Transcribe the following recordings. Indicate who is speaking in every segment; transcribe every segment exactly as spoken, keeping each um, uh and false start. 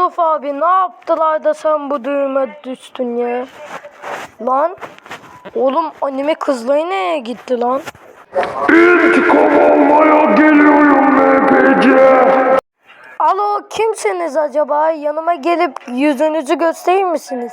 Speaker 1: Yusuf abi ne yaptılar da sen bu düğüme düştün ya? Lan oğlum anime kızları nereye gitti lan?
Speaker 2: İntikam almaya geliyorum M P C.
Speaker 1: Alo kimsiniz acaba? Yanıma gelip yüzünüzü gösterir misiniz?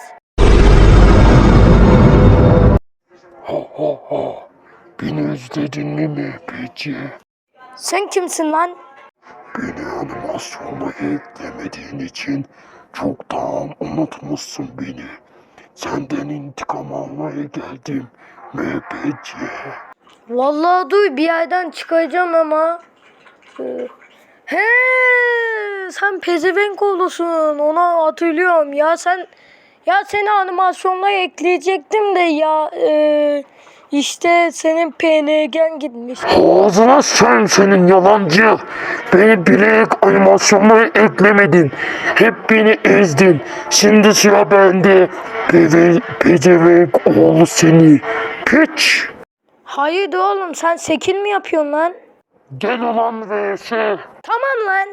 Speaker 2: Ha ha ha. Beni özledin mi M P C?
Speaker 1: Sen kimsin lan?
Speaker 2: Beni animasyona eklemediğin için çoktan unutmuşsun beni. Senden intikam almaya geldim M P C.
Speaker 1: Vallahi dur bir yerden çıkacağım ama. Ee, He, sen pezevenk oğlusun. Onu hatırlıyorum. Ya sen ya seni animasyonla ekleyecektim de ya e, işte senin P N G'n gitmiş.
Speaker 2: Ağzına sen senin yalancı. Beni bilerek animasyonlara eklemedin. Hep beni ezdin. Şimdi sıra bende. Peve, pezevenk oğlu seni. Piç.
Speaker 1: Hayır oğlum sen sekil mi yapıyorsun lan?
Speaker 2: Gel ulan V S.
Speaker 1: Tamam lan.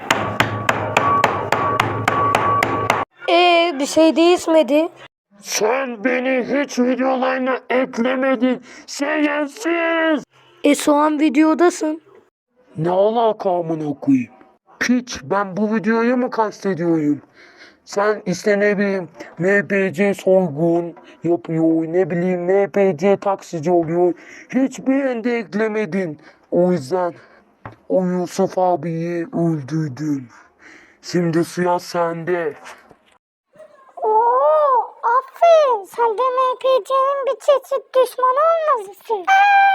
Speaker 1: Ee bir şey değişmedi.
Speaker 2: Sen beni hiç videolarına eklemedin. Şerefsiz.
Speaker 1: E soğan videodasın.
Speaker 2: Ne alaka amına koyayım? Piç, ben bu videoyu mu kastediyorum? Sen işte ne bileyim M P C soygun yapıyor, ne bileyim M P C taksici oluyor. Hiçbir yerde eklemedin. O yüzden o Yusuf abiyi öldürdün. Şimdi sıra sende.
Speaker 3: Oo, aferin. Sen de M P C'nin bir çeşit düşmanı olmalısın.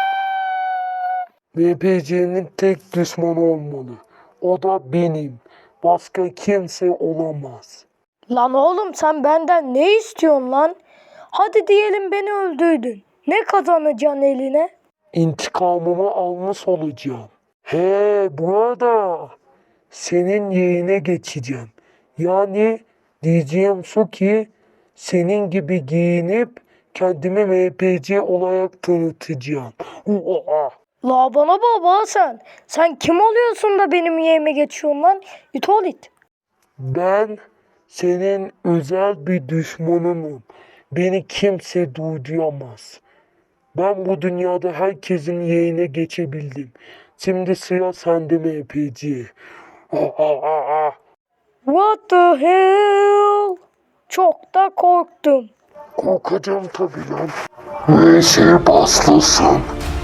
Speaker 2: M P C'nin tek düşmanı olmalı. O da benim. Başka kimse olamaz.
Speaker 1: Lan oğlum sen benden ne istiyorsun lan? Hadi diyelim beni öldürdün. Ne kazanacaksın eline?
Speaker 2: İntikamımı almış olacağım. He bu arada senin yerine geçeceğim. Yani diyeceğim şu ki senin gibi giyinip kendimi M P C olarak tanıtacağım. Uaa.
Speaker 1: La bana baba sen. Sen kim oluyorsun da benim yerime geçiyorsun lan? İt ol it.
Speaker 2: Ben senin özel bir düşmanınım. Beni kimse durduramaz. Ben bu dünyada herkesin yerine geçebildim. Şimdi sıra sende M P C. Ah, ah, ah, ah.
Speaker 1: What the hell? Çok da korktum.
Speaker 2: Korkacağım tabii lan. V S başlasın.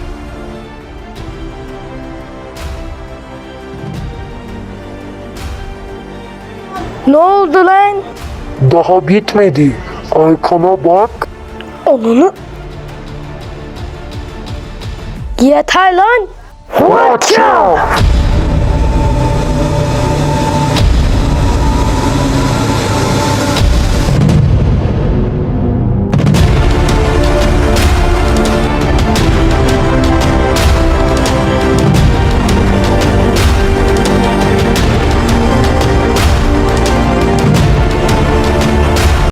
Speaker 1: Ne oldu lan?
Speaker 2: Daha bitmedi. Arkana bak.
Speaker 1: Onunu... Yeter lan.
Speaker 2: Watch out!